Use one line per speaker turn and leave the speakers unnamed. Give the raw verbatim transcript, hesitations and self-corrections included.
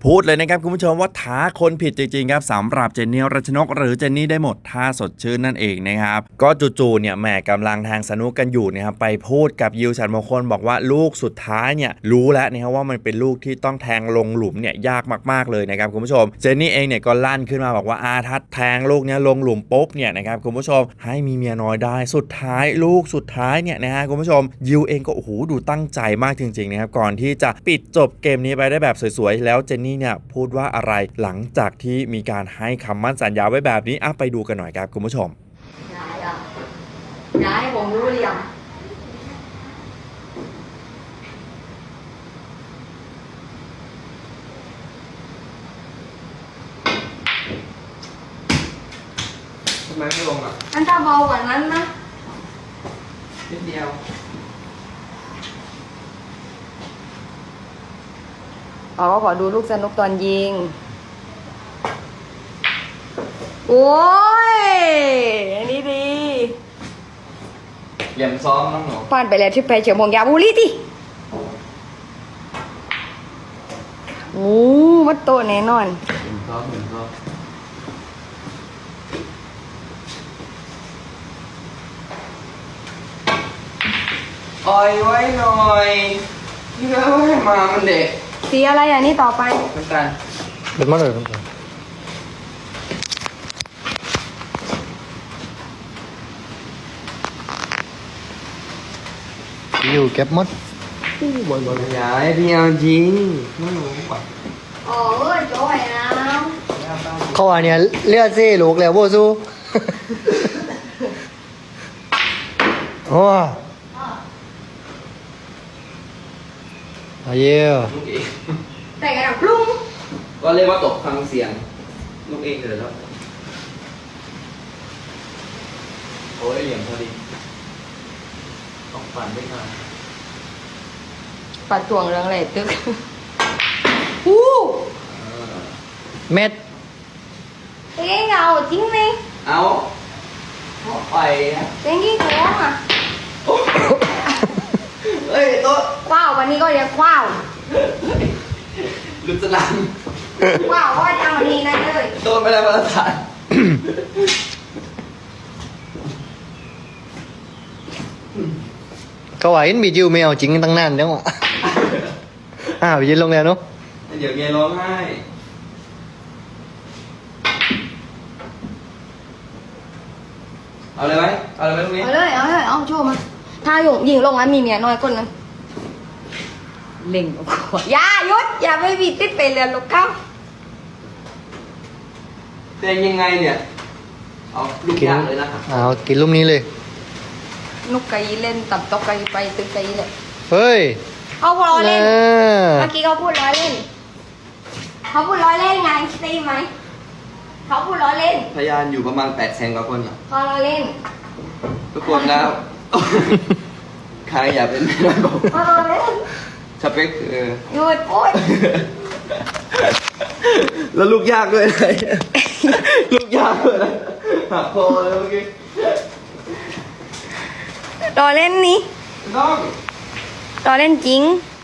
พูดเลยนะครับคุณผู้ชมว่าท้าคนผิดจริงๆครับสำหรับเจนนี่รัชนกหรือเจนนี่ได้หมดท่าสดชื่นนั่นเองนะครับก็จู่ๆเนี่ยแหมกำลังทางสนุกกันอยู่นะครับไปพูดกับยิวฉันมงคลบอกว่าลูกสุดท้ายเนี่ยรู้แล้วนะครับว่ามันเป็นลูกที่ต้องแทงลงหลุมเนี่ยยากมากๆเลยนะครับคุณผู้ชมเจนนี่เองเนี่ยก็ลั่นขึ้นมาบอกว่าอาทัดแทงลูกเนี่ยลงหลุมปุ๊บเนี่ยนะครับคุณผู้ชมให้มีเมียน้อยได้สุดท้ายลูกสุดท้ายเนี่ยนะฮะคุณผู้ชมยิวเองก็โอ้โหดูตั้งใจมากจริงๆนะครับก่อนที่จะปิดจบเกมนี้ไปได้แบบสวยๆแล้วเจนนี่เนี่ยพูดว่าอะไรหลังจากที่มีการให้คำมั่นสัญญาไว้แบบนี้อ่ะไปดูกันหน่อยครับคุณผู้ชม
ยายอ่ะยายผมรู้หรือยัง
ทำไมไม่ลงอ่ะ
อันถ้าเบากว่านั้นนะ
นิดเดียว
อ๋อขอดูลูกสนุกตอนยิงโอ้ยอันนี้ดี
เหลี่ยมซ้อมน้องหนู
ผ่านไปแล้วที่ไปเฉียวมงยาบุรีดิโอ้มัดโตแน่นอน
เหลี่ยมซ้อมเหลี่ยมซ้อมอ่อยไว้หน่อยนี่ก็ให้มามันเด็ก
สีอะไรอ่ะนี่ต่อไป
น้ำตาล
เป็นมาเลยน้ำตาลอยู่เก็บมด
บ่อยบ่อยยายพี่เอาจริงไม่รู้ป่ะ
อ๋อเออโจ้ยนะ
เขาว่าเนี่ยเลือดซี่ลูกแล้วโบซูโอ้อาเยี่ย
ลูกเอง
แต่กระดับลุ่ม
ก็เรียกว่าตกฟังเสียงลูกเองเลยแล้วโอ้ยเหลี่ยมพอดีต้องปั่นด้วยกัน
ปัดถ่วงเรื่องอะไรตึกอู้
เม็ด
เอ้ยเอาจริงไหม
เอาไปนะ
เต็งกี่โค้งอ่ะ
เฮ้ยโต๊ะ
คว้าววันนี้ก็เรียกคว้าว
ลุกสนาม
คว้าวก็ทำวันนี้นะเลย
โต๊ะไม่ได้มาตรฐาน
เขาว่าเห็นบีจิวไม่เอาจริงตั้งนานแล้วอ่ะอ้าวยืนลงแล้วเนาะ
เดี๋ยวเมียร้องไห้เอาเลยไหมเอาเลยไหมตรงนี้
เอาเลยเอาเลยเอาโชว์มาถ้าหยงยิงลงแล้วมีเมียน้อยคนนึงเล่งออกมาอย่าหยุดอย่าไปบีติดไปเรียนลูกเขา
เป็นยังไงเนี่ยเอาลูกยางเลยนะ
เอากินลูกนี้เลย
นุกไก่เล่นตับตกไก่ไปตึกไก่เลย
เฮ้ย
เขาพูดล้อเล่นเมื่อกี้เขาพูดล้อเล่นเขาพูดล้อเล่นไงได้ไหมเขาพูดล้อเล่น
พยานอยู่ประมาณแปดแสนกว่าคนอ่ะ
เขาล้อเล่น
ทุกคนแล้วใครอยากเป็นไม่ได้บอก
เขาล้อเล่น
สเปคเออ
หยุดพูด
แล้วลูกยากด้วยนะลูกยากด้วยนะหักคอเลยเมื่อกี้
ล้อเล่นนี่
น้อง
ล้อเล่นจริง